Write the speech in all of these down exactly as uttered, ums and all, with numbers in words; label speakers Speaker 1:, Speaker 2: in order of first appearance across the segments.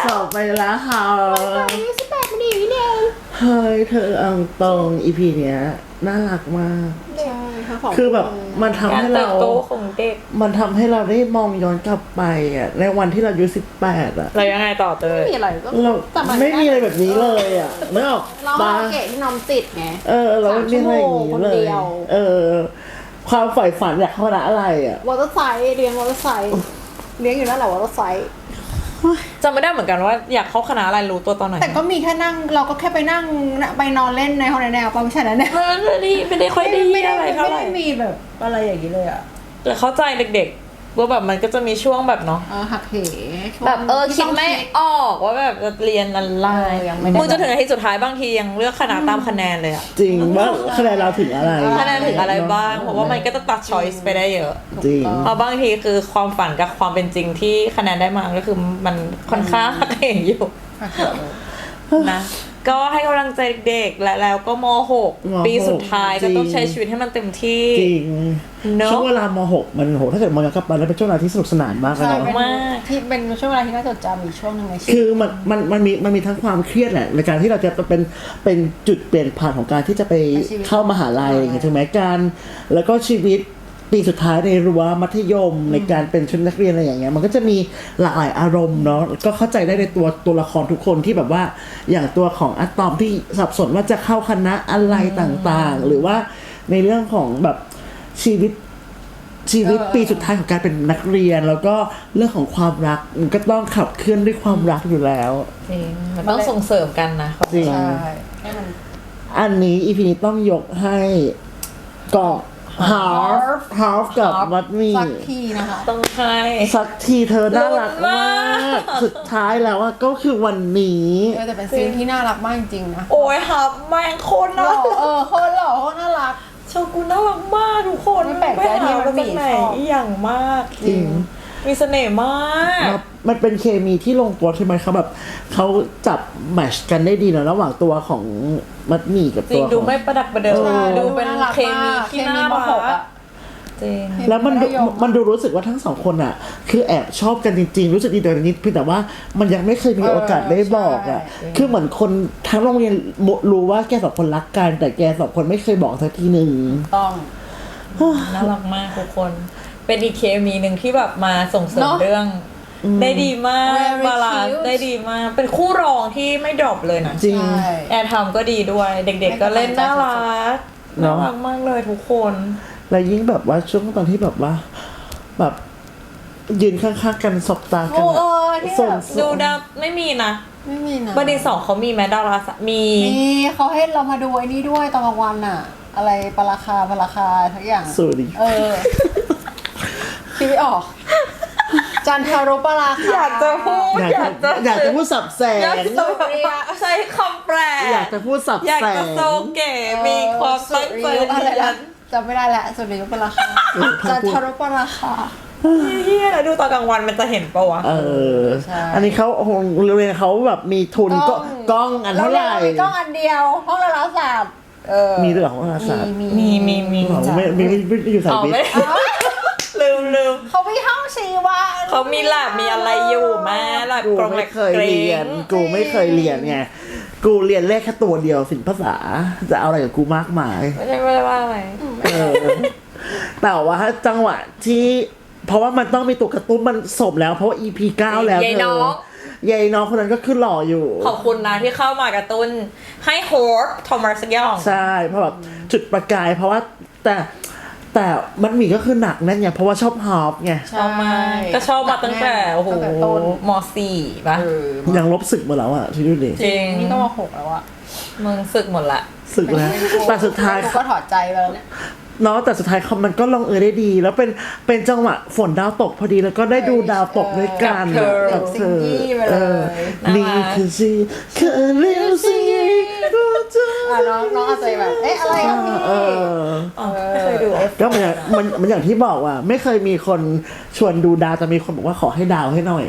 Speaker 1: จบไปแล้วค่ะ
Speaker 2: ยี่สิบแปดมันดีนี่เอง
Speaker 1: เฮ้ยเธอเอาตรงอีพีเนี้ยน่ารักมาก
Speaker 2: ใช่
Speaker 1: คือแบบมันทำให้เรา
Speaker 3: โตของเด็ก
Speaker 1: มันทำให้เราได้มองย้อนกลับไปอ่ะในวันที่เราอายุสิบแปดอ่ะ
Speaker 3: เรายังไงต่อเตย
Speaker 2: ไม่มีอะไรก็
Speaker 1: เราไม่มีอะไรแบบนี้เลยอ่ะนึกออก
Speaker 2: เราเกะที่น้องติดไง
Speaker 1: เออเราไม่มีอะไรอย่างนี้เลยเออความใฝ่ฝันอยากเข้าคณะอะไรอ่ะ
Speaker 2: วอเตอร์ไซด์เรียนวอเตอร์ไซด์เลี้ยงอยู่นั่นแหละวอเตอร์ไซด์
Speaker 3: จำไม่ได้เหมือนกันว่าอยากเข้าคณะอะไรรู้ตัวตอนไหน
Speaker 2: แต่ก็มีแค่นั่งเราก็แค่ไปนั่งไปนอนเล่นในห้องแนวๆไม่ใช่นะเนี่ย
Speaker 3: ไม่ได้ไม่ได้ค่อยดีอะไรเท่าไหร่
Speaker 2: ไม่ได้มีแบบอะไรอย่างนี้เลยอ่ะ
Speaker 3: แต่เข้าใจเด็กๆว่าแบบมันก็จะมีช่วงแบบเนาะ
Speaker 2: หักเห
Speaker 3: แบบเออคิดไม่ออกว่าแบบจะเรียนอะไรมึงจะถึงอาทิตย์สุดท้ายบางทียังเลือกคณะตามคะแนนเลยอะ
Speaker 1: จริงว่าคะแนนเราถึงอะไร
Speaker 3: คะแนนถึงอะไรบ้างเพราะว่ามันก็จะตัดช้อยส์ไปได้เยอะ
Speaker 1: จริง
Speaker 3: เพราะบางทีคือความฝันกับความเป็นจริงที่คะแนนได้มาก็คือมันค่อนข้างหักเหอยู่นะก็ให้กำลังใจเด็กและแล้วก็ม หก ปีสุดท้ายก็ต้องใช้ชีวิตให้มันเต็มที่
Speaker 1: จริงช่วงเวลาม หก มันโหถ้าเกิดมองย้อนกลับไปแล้วเป็นช่วงเวลาที่สนุกสนานมากเลยเนาะ
Speaker 3: มาก
Speaker 2: ที่เป็นช่วงเวลาที่น่าจดจำอีกช่วงนึงในชีวิต
Speaker 1: คือมันมันมันมีมันมีทั้งความเครียดแหละในการที่เราจะเป็นเป็นจุดเปลี่ยนผ่านของการที่จะไปเข้ามหาลัยถึงแม้การแล้วก็ชีวิตปีสุดท้ายในรั้วมัธยมในการเป็นชุดนักเรียนอะไรอย่างเงี้ยมันก็จะมีหลากหลายอารมณ์เนาะก็เข้าใจได้ในตัวตัวละครทุกคนที่แบบว่าอย่างตัวของอะตอมที่สับสนว่าจะเข้าคณะอะไรต่างๆหรือว่าในเรื่องของแบบชีวิตชีวิตปีสุดท้ายของการเป็นนักเรียนแล้วก็เรื่องของความรักมันก็ต้องขับเคลื่อนด้วยความรักอยู่แล้ว
Speaker 3: จริงมันต้องส่งเสริมกันนะ
Speaker 1: จริงอันนี้อีพีนี้ต้องยกให้เกาะฮาร์ฟฮาร์ฟกับมัดมี่
Speaker 2: สักทีนะคะ
Speaker 3: ต้องให้
Speaker 1: สักทีเธอน่ารักมากสุดท้ายแล้วก็คือวันนี้
Speaker 2: เออแต่เป็นซีนที่น่ารักมากจริงๆนะ
Speaker 3: โอ้ยฮับแม่งโคตรน่ารัก
Speaker 2: เออโคตรหล่อโคตรน่ารัก
Speaker 3: โชกุนน่ารักมากทุกคน
Speaker 2: ไม่แปลกใจที่มันมีชอบ
Speaker 3: อย่างมาก
Speaker 1: จริง
Speaker 3: มีเสน่ห์มาก
Speaker 1: มันเป็นเคมีที่ลงตัวใช่ไหมเขาแบบเขาจับแมชกันได้ดีเนาะระหว่างตัวของมัดหมี่กับตัวของ
Speaker 3: ดูไม่ประดักประเดิมดูเป็นเคมีที่น่ารัก
Speaker 1: แล้วมันมันดูรู้สึกว่าทั้งสองคนอ่ะคือแอบชอบกันจริงๆรู้สึกดีต่อกันนิดเพียงแต่ว่ามันยังไม่เคยมีโอกาสได้บอกอ่ะคือเหมือนคนทั้งโรงเรียนรู้ว่าแกสองคนรักกันแต่แกสองคนไม่เคยบอกสักทีหนึ่ง
Speaker 2: ต้อง
Speaker 3: น่ารักมากทุกคนเป็นอีกเคมีหนึ่งที่แบบมาส่งเสริมเรื่องได้ดีมากบาลานซ์ได้ดีมากเป็นคู่รองที่ไม่ดรอปเลยนะ
Speaker 1: จริง
Speaker 3: แอร์ทำก็ดีด้วยเด็กๆก็เล่นน่ารักน่ารักมากเลยทุกคน
Speaker 1: แล้วยิ่งแบบว่าช่วงตอนที่แบบว่าแบบยืนข้างๆกันสบตากัน
Speaker 3: ส่งดูดาวไม่มีนะ
Speaker 2: ไม่มีนะ
Speaker 3: บันดีสองเขามีแมดดาราสมี
Speaker 2: มีเขาให้เรามาดูไอ้นี่ด้วยตอนกลางวันอะอะไรปราคาปราคาทุกอย่าง
Speaker 1: สวัสดี
Speaker 2: เออคิดไม่ออกจันทารุปราคา
Speaker 3: อยากจะพูด
Speaker 1: อยากจะอยากจะพูดสับแสง
Speaker 3: ใช้คำแปล
Speaker 1: อยากจะพูดสับแสง
Speaker 3: อยากจะโซเก๋มีความตั้งใจ
Speaker 2: อะไรนะจำไม่ได้แหละสุดยอดปราคาจันทารุปราคา
Speaker 3: เฮียดูตอนกลางวันมันจะเห็นปะวะ
Speaker 1: เอออันนี้เขาโรงเรียนเขาแบบมีทุนก็กล้องอันเท่าไหร่
Speaker 2: มีกล้องอันเดียวห้องละละศาสตร์
Speaker 1: มีด้วยเหรอห้องละศาสตร์
Speaker 3: มีมีมี
Speaker 1: ไม่ไม่ไม่อยู่สายวิทย์
Speaker 3: ลืมลืม
Speaker 2: เขามีห้องชีวะ
Speaker 3: เขามีแลบมีอะไรอยู่แม่แลบ
Speaker 1: กูไม่เคยเรียนกูไม่เคยเรียนไงกูเรียนเลขแค่ตัวเดียวศิลปภาษาจะเอาอะไรกับกูมากมาย
Speaker 3: ไม่ใช่ไม่ได้ว่าอะไร
Speaker 1: แต่ว่าจังหวะที่เพราะว่ามันต้องมีตัวกระตุ้นมันสมแล้วเพราะว่า อี พี เก้าแล้วเธอยายน้องคนนั้นก็คือหล่ออยู่
Speaker 3: ขอบคุณนะที่เข้ามากระตุ้นให้โฮสต์ทอมัสสักอย่าง
Speaker 1: ใช่เพราะแบบจุดประกายเพราะว่าแต่แต่มันมีก็คือหนักนั่นไงเพราะว่าชอบฮอปไง
Speaker 3: ชอบมาก็ชอบมาตั้งแต่โอ้โหม.สี่ป่ะ
Speaker 1: ยังลบศึกหมดแล้วอ่ะที่ดูดิ
Speaker 3: จริง
Speaker 2: นี่ก็ม.หกแล้วอ่ะ
Speaker 3: มึงศึกหมดละ
Speaker 1: ศึกแล้วแต่สุดท้าย
Speaker 2: ก็ถอดใจแล้วเนี่ย
Speaker 1: เนาะแต่สุดท้ายเขามันก็ลงเอยได้ดีแล้วเป็นเป็นจังหวะฝนดาวตกพอดีแล้วก็ได้ดูดาวตกด้วยกัน
Speaker 2: กับเธอ
Speaker 1: นี่คือซีคือเรียลซี
Speaker 2: น้องน้องอาจจะแบบเอ๊ะอะไรครับพี่
Speaker 3: ไม่เคยดู
Speaker 1: ก็มันมันมันอย่างที่บอกว่าไม่เคยมีคนชวนดูดาวแต่มีคนบอกว่าขอให้ดาวให้หน่อย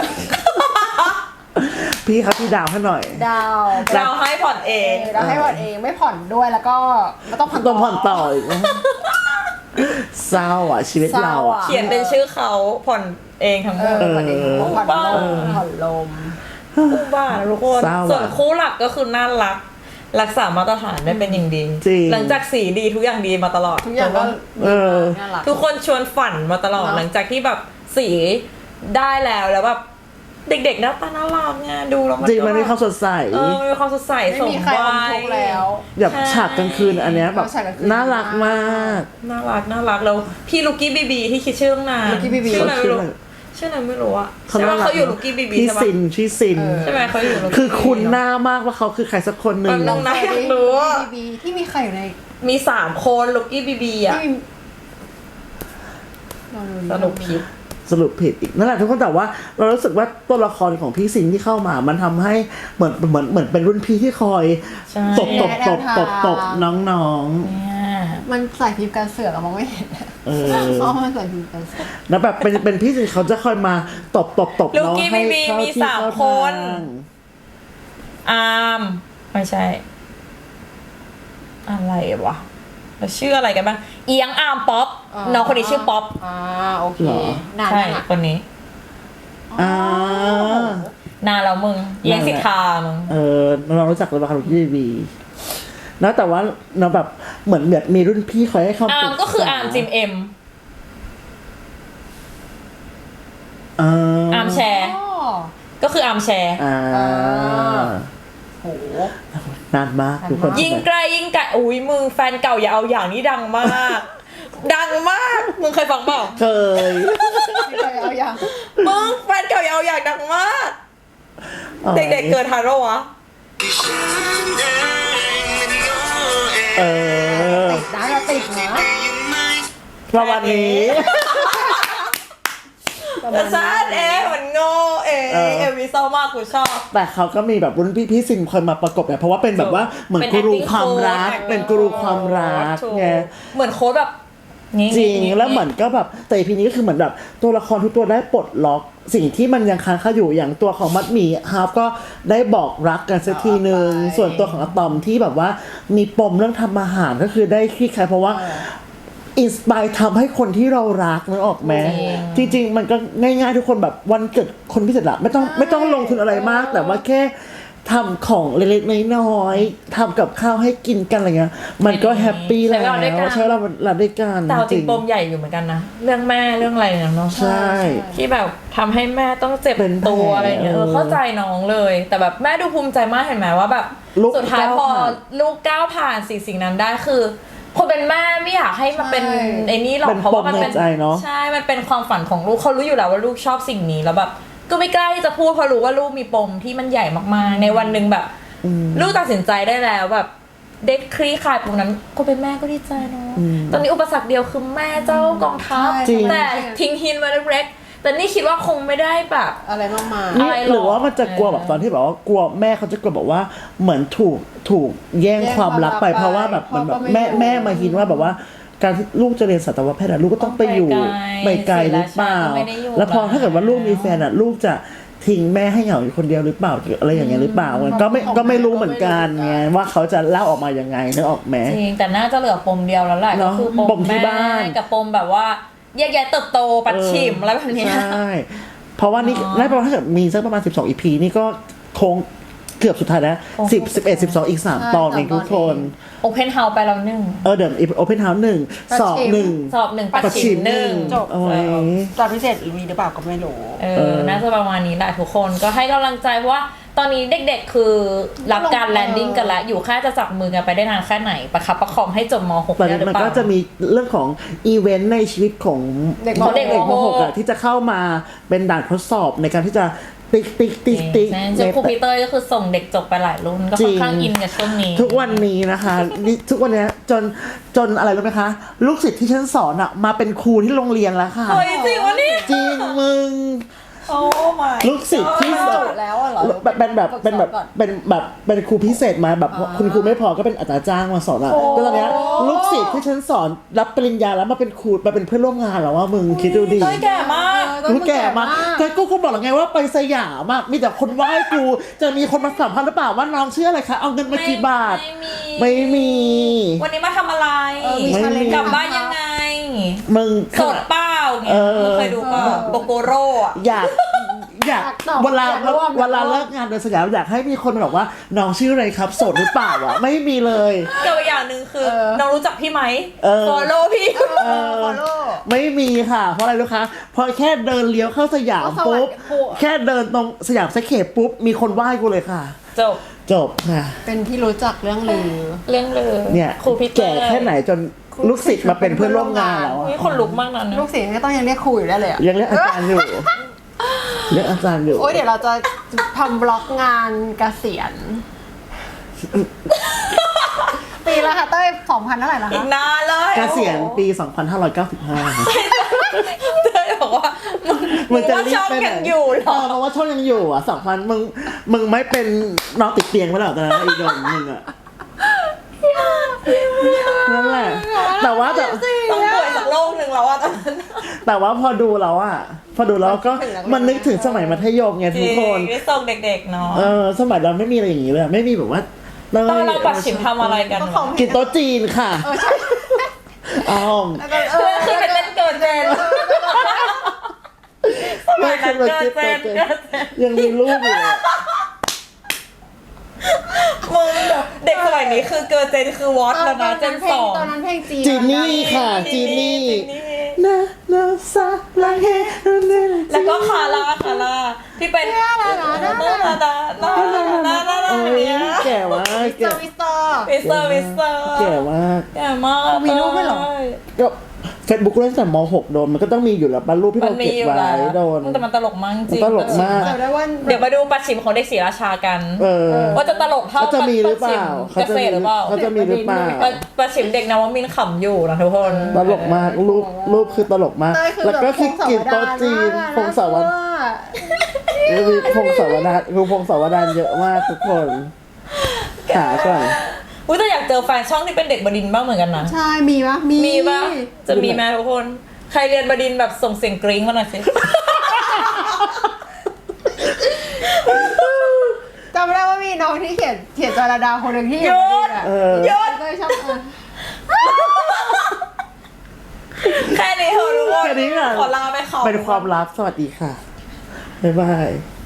Speaker 1: พี่ครับพี่ดาวให้หน่อย
Speaker 2: ดาว
Speaker 3: ดาวให้ผ่อนเอง
Speaker 2: ดาวให้ผ่อนเองไม่ผ่อนด้วยแล้วก็ไม่ต้องผ่อน
Speaker 1: ต้องผ่อนต่ออีกเศร้าอ่ะชีวิตเรา
Speaker 3: เขียนเป็นชื่อเขาผ่อนเองทั้งหมด
Speaker 2: ผ่อนเองผ่อนลมผ่อนลม
Speaker 3: อุบาททุกคน
Speaker 1: เศร้าอะ
Speaker 3: ส่วนคู่หลักก็คือน่ารักรักษามาตรฐานได้เป็นอย่างดี
Speaker 1: จริง
Speaker 3: หลังจากสีดีทุกอย่างดีมาตลอด
Speaker 2: ทุกอย่างก็
Speaker 1: เออ
Speaker 2: น่ารัก
Speaker 3: ทุกคนชวนฝันมาตลอด
Speaker 2: เนอะ
Speaker 3: หลังจากที่แบบสีได้แล้วแล้วแบบเด็กๆหน้าตาน่ารักไงดูแล้วมัน
Speaker 1: จริงมันมีความ
Speaker 3: ก็
Speaker 1: สดใส
Speaker 3: เออมันมีความสดใส
Speaker 2: ไม่
Speaker 3: สม
Speaker 2: มีใครอม
Speaker 3: วัย
Speaker 2: ทุกข์แล้ว
Speaker 1: แบบ
Speaker 3: ใช่
Speaker 1: ฉากกลางคืนอันเนี้ยแบบ
Speaker 2: ฉากกลางคืน
Speaker 1: น่ารักมาก
Speaker 3: น่ารักน่ารักแล้วพี่ลูกี้บีบีที่คิดชื่อตั้งนาน
Speaker 2: ลูกี้บีบี
Speaker 3: ชื่ออะไรไม่รู้
Speaker 1: เขาชื่ออะไร
Speaker 3: ชื่ออะไรไม่รู้อะ
Speaker 1: เขา
Speaker 3: ใช่ไหม
Speaker 1: น่ารัก
Speaker 3: เขาอยู่ลูกี้บีบี
Speaker 1: พี่
Speaker 3: ใช่ปะ
Speaker 1: ซินชื่อซิน
Speaker 2: เออ
Speaker 3: ใช่ไหมเขาอยู่ Lucky
Speaker 1: คือคุณ
Speaker 3: บีบี
Speaker 1: หน้ามากว่าเขาคือใครสักคนหนึ่ง
Speaker 3: มันต้อง น่าอยากรู้อะ
Speaker 2: บีบีที่มีใครอยู่ใน
Speaker 3: มีสามคนลูกี้บีบีอะ
Speaker 2: ที่มีลองดู
Speaker 3: สรุปผิด
Speaker 1: สรุปผิดอีกนั่นแหละทุกคนแต่ว่าเรารู้สึกว่าตัวละครของพี่ซินที่เข้ามา มันทำให้เหมือนเหมือนเหมือนเป็นรุ่นพี่ที่คอย
Speaker 3: ใช่
Speaker 1: ตบตบตบตบตบน้อง
Speaker 3: เนี่ย
Speaker 2: มันใส่พิมพ์กันเสือกอะมองไม่เห็น
Speaker 1: ๆเออ
Speaker 2: เพราะมันใส่พิมพ์กันเสือก
Speaker 1: แล้วแบบเป็นเป็นพี่ซินเขาจะคอยมาตบตบตบ
Speaker 3: ลู
Speaker 1: น้อง
Speaker 3: กี้
Speaker 1: ให้
Speaker 3: บีบี
Speaker 1: เข้า
Speaker 3: มี
Speaker 1: ที่
Speaker 3: สาม
Speaker 1: เข้า
Speaker 3: คน
Speaker 1: ทาง
Speaker 3: อาร์มไม่ใช่ อะไรวะแล้วชื่ออะไรกันบ้างเอียงอาร์มป๊อปน้องคนนี้ชื่อป๊อป
Speaker 2: อ่าโอเค
Speaker 1: เหรอ
Speaker 2: นาน
Speaker 3: ใช่
Speaker 2: ยังอะ
Speaker 3: คนนี้
Speaker 1: อ่า
Speaker 3: นานแล้วมึงเอียงสิทธามึง
Speaker 1: เออเรารู้จักเลยว่าคารุกิบีนะแต่ว่าเราแบบเหมือนแบบมีรุ่นพี่คอยให้คำปรึกษา
Speaker 3: อาร์มก็คืออาร์มจิมเอ็ม
Speaker 1: อ่า
Speaker 3: อาร์มแชร์
Speaker 2: อ๋อ
Speaker 3: ก็คืออาร์มแชร์
Speaker 1: อ่า
Speaker 2: อ่า โห
Speaker 1: นานมากทุกคน
Speaker 3: ยิ่งใกล้ยิ่งไกลอุ้ยมึงแฟนเก่าอย่าเอาอย่างนี้ดังมาก ดังมากมึงเคยฟังเปล่า
Speaker 1: เคย
Speaker 2: ไม่เคยเอาอย่าง
Speaker 3: มึงแฟนเก่าอย่าเอาอย่างดังมาก
Speaker 1: อ๋อ
Speaker 3: เด็กๆเกิดทันปะวะ
Speaker 1: เออ
Speaker 2: ติดนะเราติดนะ
Speaker 1: ประมาณนี้
Speaker 2: ประมา
Speaker 3: แต่
Speaker 2: ณ
Speaker 3: ซา
Speaker 2: นี้
Speaker 3: ดเอ๊ะมันโง่เอ๊ะ
Speaker 1: เออ
Speaker 3: เอวิเศร้ามากกูชอบ
Speaker 1: แต่เขาก็มีแบบรุ่นพี่พี่ซินคอยมาประกบเนี่ยเพราะว่าเป็นแบบว่าเหมือน
Speaker 3: เป็น
Speaker 1: กูรู
Speaker 3: acting
Speaker 1: ความรัก
Speaker 3: coach
Speaker 1: เป็นกูรูความรัก
Speaker 3: ถูก
Speaker 1: ไง
Speaker 3: เหมือนโค้ดแบบนี่
Speaker 1: จริง
Speaker 3: นี่
Speaker 1: แล้วเหมือนก็แบบแต่อีพีนี้ก็คือเหมือนแบบตัวละครทุกตัวได้ปลดล็อกสิ่งที่มันยังค้างคาอยู่อย่างตัวของมัดหมี่ฮาร์ฟก็ได้บอกรักกันสักทีหนึ่งส่วนตัวของอะตอมที่แบบว่ามีปมเรื่องทำอาหารก็คือได้คลี่คลายเพราะว่าอินสปายทำให้คนที่เรารักนึกออกไหมจริงๆ มันก็ง่ายๆทุกคนแบบวันเกิดคนพิเศษละไม่ต้องไม่ต้องลงทุนอะไรมาก แต่ว่าแค่ทำของเล็กๆน้อยๆทำกับข้าวให้กินกันอะไรเงี้ยมันก็แฮปปี้แล้วใช่เราเราด้วยกัน
Speaker 3: แต่เอาจริงปมใหญ่อยู่เหมือนกันนะเรื่องแม่เรื่องอะไรเนี่ยเนาะ
Speaker 1: ใช่
Speaker 3: ที่แบบทำให้แม่ต้องเจ็บ
Speaker 1: เป็นแผล
Speaker 3: ตัวอะไรเนี่ยเออ
Speaker 1: เออ
Speaker 3: เข้าใจน้องเลย แต่แบบแม่ดูภูมิใจมากเห็นไหมว่าแบบ
Speaker 1: ลูก
Speaker 3: สุดท้ายพอ
Speaker 1: ก้าวผ่าน
Speaker 3: ลูกก้าวผ่านสิ่งสิ่งนั้นได้คือคนเป็นแม่ไม่อยากให้มันเป็น
Speaker 2: ใช่
Speaker 3: ไอ้นี่หรอก
Speaker 1: เป็น
Speaker 3: เพราะว่ามันเป็น
Speaker 1: ปมในใจเนอะ
Speaker 3: ใช่มันเป็นความฝันของลูกเขารู้อยู่แล้วว่าลูกชอบสิ่งนี้แล้วแบบก็ไม่กล้าที่จะพูดเพราะรู้ว่าลูกมีปมที่มันใหญ่มากๆในวันหนึ่งแบบ ลูกตัดสินใจได้แล้วแบบเด็กคลี่คลายตรงนั้นคนเป็นแม่ก็ดีใจเนาะตอนนี้อุปสรรคเดียวคือแม่เจ้ากองทัพ
Speaker 1: จริง
Speaker 3: แต่ทิ้งหินมาเล็กๆแต่นี่คิดว่าคงไม่ได้แบบ
Speaker 2: อะไรมากมาย
Speaker 1: นี่
Speaker 3: อะไรหรอ
Speaker 1: หรือว่ามันจะกลัวแบบตอนที่แบบว่ากลัวแม่เขาจะกลัวแบบว่าเหมือนถูกถูกแย่ง
Speaker 2: แย่ง
Speaker 1: ความรักไป
Speaker 2: ความรักไป
Speaker 1: เพราะว่าแบบเหมันแบบ
Speaker 2: พ่อก็ไม่
Speaker 1: แม่
Speaker 2: อยู่
Speaker 1: แม่มาหินว่าแบบว่าการที่ลูกจะเรียนสัตวแพทย์อะลูกก็ต้องไปอยู่
Speaker 3: ต้อง
Speaker 1: ไป
Speaker 3: ไปไก
Speaker 1: ไก
Speaker 3: ล
Speaker 1: ลหรือเปล่า
Speaker 3: ศิลาชาติก็ไม่ได้อยู่
Speaker 1: แล้วพอ
Speaker 3: แล้ว
Speaker 1: ถ้าเกิดว่าลูกมีแฟนอะลูกจะทิ้งแม่ให้เหงาอยู่คนเดียวหรือเปล่าหรืออะไรอย่างเงี้ยหรือเปล่ามันก็ไม่ก็ไม่รู้เหมือนกันไงว่าเขาจะเล่าออกมายังไงนึกออกไหม
Speaker 3: จริงแต่น่าจะเหลือปมเดียวแล้วแหละ
Speaker 1: เน
Speaker 3: ก็
Speaker 1: อะ
Speaker 3: คือป
Speaker 1: ป
Speaker 3: ม
Speaker 1: มที่
Speaker 3: แม่
Speaker 1: บ้าน
Speaker 3: กับปมแบบว่าแยกย้ายเติบโตปัดฉิมอะไรแบบเนี้ย
Speaker 1: ใช่ เพราะว่านี่
Speaker 3: อ๋อ
Speaker 1: น่าจะประมาณถ้าเกิดมีสักประมาณสิบสองอีพีนี่ก็คงเกือบสุดท้ายแล้ว
Speaker 3: โอ้โห
Speaker 1: สิบสิบเอ็ดสิบสองอีกสาม
Speaker 2: ใช่
Speaker 1: ตอนเองทุกคน
Speaker 3: โอเพนเฮาส์ไปแล้วหนึ่ง
Speaker 1: เออเดี๋ยวโอเพนเฮาส์หนึ่ง
Speaker 2: ปัด
Speaker 1: สอบ
Speaker 2: ฉิม
Speaker 1: หนึ่ง
Speaker 3: สอบหนึ่งปัด
Speaker 1: ปัดฉิ
Speaker 3: ฉิ
Speaker 1: ม
Speaker 3: มหนึ่ง
Speaker 1: หนึ่ง
Speaker 2: จบ
Speaker 1: โอ้ย
Speaker 2: ตอนพิเศษมีหรือเปล่าก็ไม่รู้
Speaker 3: เอ
Speaker 1: เอ
Speaker 3: อ
Speaker 1: อ
Speaker 3: น่าจะประมาณนี้แหละทุกคนก็ให้กำลังใจเพราะว่าตอนนี้เด็กๆคือรับการแลนดิ้งกันแล้วอยู่แค่จะจับมือกันไปได้นานแค่ไหนประคับประคองให้จบม หก
Speaker 1: ตอน
Speaker 3: ได้
Speaker 1: นี้
Speaker 3: หรือ
Speaker 1: มัน
Speaker 3: เปล่า
Speaker 1: ก็จะมีเรื่องของอีเวนต์ในชีวิตของ
Speaker 2: เด็ก
Speaker 3: ของเด็ก
Speaker 1: เด็กม
Speaker 3: ม
Speaker 1: ห
Speaker 3: ห
Speaker 1: ก
Speaker 3: ก
Speaker 1: อะที่จะเข้ามาเป็นด่านทดสอบในการที่จะติ๊กติ๊กติ๊กติ๊ก
Speaker 3: ใช่จนครูพีเตอร์ก็คือส่งเด็กจบไปหลายรุ่นก็ค่อนข้างอินกับช่วงนี้
Speaker 1: ทุกวันนี้นะคะนี่ทุกวันนี้จนจนอะไรรู้ไหมคะ ลูกศิษย์ที่ฉันสอนอะมาเป็นครูที่โรงเรียนแล้วค่ะ
Speaker 3: เฮ้ยจริงวะเนี่ย
Speaker 1: จริงมึง
Speaker 3: โอ้ my
Speaker 1: ลูกศิษย์ที่ส
Speaker 2: จ
Speaker 1: อน
Speaker 2: บแล้วอะเหรอ
Speaker 1: แบบเป็นแบบเป็นแบบ
Speaker 2: ก่อน
Speaker 1: เป็นแบบเป็นครูพิเศษมาแบบ
Speaker 2: อ่า
Speaker 1: คุณครูไม่พอก็เป็นอาจารย์จ้างมาสอนอะก็ตอนเนี้ยลูกศิษย์ที่ฉันสอนรับปริญญาแล้วมาเป็นครูมาเป็นเพื่อนร่วมงานแล้วว่ามึงคิดดูดิ
Speaker 3: เต้ยแก่มาก
Speaker 2: เออ
Speaker 1: กูแก่มากแต่กูก็บอกแล้วไงว่าไปสยามอะมีแต่คนไหว้กูจะมีคนมาสัมภาษณ์หรือเปล่าว่าน้องชื่ออะไรคะเอาเงินมากี่บาท
Speaker 3: ไม่มี
Speaker 1: ไม่มี
Speaker 3: วันนี้มาทำอะไร
Speaker 2: เออมี
Speaker 1: ไม่
Speaker 2: challenge
Speaker 3: กลับบ้านยังไง
Speaker 1: มึง
Speaker 3: สดเปล่า
Speaker 1: เอ
Speaker 3: เงี้ย
Speaker 1: อ
Speaker 3: มึงเคยดูเปล่าโกโกโร่อะ
Speaker 1: อยากอยาก
Speaker 2: ตอบ
Speaker 1: เวลา
Speaker 2: อยากร่วม
Speaker 1: เวลาเลิกงานเดินสยามอยากให้มีคนบอกว่าน้องชื่ออะไรครับโสดหรือเปล่าอ่ะไม่มีเลย
Speaker 3: กับอีกอย่างหนึ่งคือ
Speaker 2: เออ
Speaker 3: น้องรู้จักพี่ไหม
Speaker 1: เออ
Speaker 3: follow พี่
Speaker 2: เออ follow
Speaker 1: ไม่มีค่ะ เพราะอะไรรู้คะเพราะแค่เดินเลี้ยวเข้าสยาม
Speaker 2: ก็สวัสดี
Speaker 1: ปุ๊บ
Speaker 2: ครู
Speaker 1: แค่เดินตรงสยามสแควร์ปุ๊บมีคนไหว้กูเลยค่ะ
Speaker 3: จบ
Speaker 1: จบค่ะ
Speaker 2: เป็นที่รู้จักเรื่องลือ
Speaker 3: เรื่องเลย
Speaker 1: เนี่ย
Speaker 3: ครูพี่
Speaker 1: แก่แค่ไหนจนลูกศิษย์มาเป็นเพื่อนร่วมงานแล้วอะ
Speaker 3: นี่คนลุกมากนะ
Speaker 2: ลูกศิษย์ก็ต้องยังเรียกครูอยู่ได้เลยอะ
Speaker 1: ยังเรียกอาจารย์อยู่เรียกอาจารย์อยู่
Speaker 2: โอ้ยเดี๋ยวเราจะทำบล็อกงานเกษียณ ปีละค่ะเต้ยสองพันเท่าไหร่นะ
Speaker 3: อี
Speaker 2: คะ
Speaker 3: กนานเลย
Speaker 1: เกษียณปี สองพันห้าร้อยเก้าสิบห้า
Speaker 3: เธอบอกว่ามึง
Speaker 1: มึงจะ
Speaker 3: ว่า
Speaker 1: รีบ
Speaker 3: ช่อง
Speaker 1: ไปไหน
Speaker 3: ยังอยู่เหร
Speaker 1: เอ
Speaker 3: อ
Speaker 1: อเพราะว่าช่องยังอยู่อ่ะสองพันมึงมึงไม่เป็นนอนติดเตียงไปแล้วตอนนั้นอีโดนมึงอ่ะนั่นแหละแต่ว่าแต่
Speaker 3: ต้องป่วยสักโรคหนึ่งแล้วอะตอนนั้น
Speaker 1: แต่ว่าพอดูแล้วอ่ะพอดูแล้วก็มันนึกถึงสมัยมัธยมไงทุกคน
Speaker 3: ได้ส่งเด็กๆเนาะ
Speaker 1: เออสมัยเราไม่มีอะไรอย่างนี้เลยไม่มีแบบว่า
Speaker 3: ตอนเราปัดฉิมทำอะไรกัน
Speaker 2: ก็ของ
Speaker 1: กินโต๊ะจีนค่ะ
Speaker 2: เออใช่
Speaker 1: อ้าว
Speaker 2: แล้วก็เอ
Speaker 3: เพื่
Speaker 2: อ
Speaker 3: อขึ้นไปเต้นเกินเจนสมัยนั้นเกินเจนเกินเจน
Speaker 1: ยังมีรูปอยู่เลย
Speaker 3: มึงแบบเด็กสมัยนี้คือเกินเจนคือวอตแล้วนะเจนสอง
Speaker 2: ตอนนั้นเพลงจีน
Speaker 1: จีนี่ค่ะจีนี่
Speaker 3: จีนี่
Speaker 1: นะนะซาลาเฮ
Speaker 3: แล้วก็คาร่าคาร่าที่เป็นน่ารักน่ารักน่ารักน่ารักน่ารัก
Speaker 1: โอ้ย
Speaker 3: เนี่ย
Speaker 1: แก่มาก
Speaker 2: วิสเต
Speaker 1: แก่
Speaker 2: อร์วิสเตอร์
Speaker 3: วิสเตอร์วิสเตอร์
Speaker 1: แก่มาก
Speaker 3: แก่มาก
Speaker 2: มีรูปด้วยเหรอ
Speaker 1: ก็เฟซบุ๊กเล่นแต่ม หกโดนมันก็ต้องมีอยู่แล้วบรรลุที่
Speaker 3: มัน
Speaker 1: เรา
Speaker 3: มี
Speaker 1: เก็บ
Speaker 3: อยู่
Speaker 1: ไว้
Speaker 3: แล้ว
Speaker 1: โดน
Speaker 3: แต่มันตลกมากจริง
Speaker 1: ตลกมาก
Speaker 2: จำได้ว่า
Speaker 3: เดี๋ยวมาดูปัดฉิมของเด็กศรีราชากัน
Speaker 1: เออ
Speaker 3: ว่าจะตลกเท่า
Speaker 1: เขาจะมีหรือเปล่า
Speaker 3: ปัดฉิมเกษตรหรือเปล่า
Speaker 1: เขาจะมีหรือเปล่า
Speaker 3: ปัดปัดฉิมเด็กนวมินทร์ขำอยู่นะทุกคน
Speaker 1: ตลกมากรูปรูปคือตลกมาก
Speaker 2: เต้ยคือ
Speaker 1: แล้วก็คือกินโต๊ะจีนพงศาวดารมีพงศาวดารคือพงศาวดารเยอะมากทุกคนหาก่อน
Speaker 3: อุ้ยแต่อยากเจอแฟนช่องที่เป็นเด็กบดินทร์บ้างเหมือนกันนะ
Speaker 2: ใช่มีปะมี
Speaker 3: มีปะจะมีไหมทุกคน ใครเรียนบดินทร์แบบส่งเสียงกริ๊งมาหน่อยสิ
Speaker 2: จำได้ว่ามีน้องที่เขียนเขียนจาราดาคนหนึ่งที่อยู่
Speaker 3: หยุ
Speaker 2: บ
Speaker 3: ด
Speaker 2: นอ่ะ
Speaker 1: เออ
Speaker 3: หยุด
Speaker 2: เต้ยชอบเออ
Speaker 3: แค่นี้เถอะทุกคน
Speaker 1: แค่นี้ค่ะ
Speaker 3: ขอลาไปเขา
Speaker 1: เป็นความลับสวัสดีค่ะบ๊ายบาย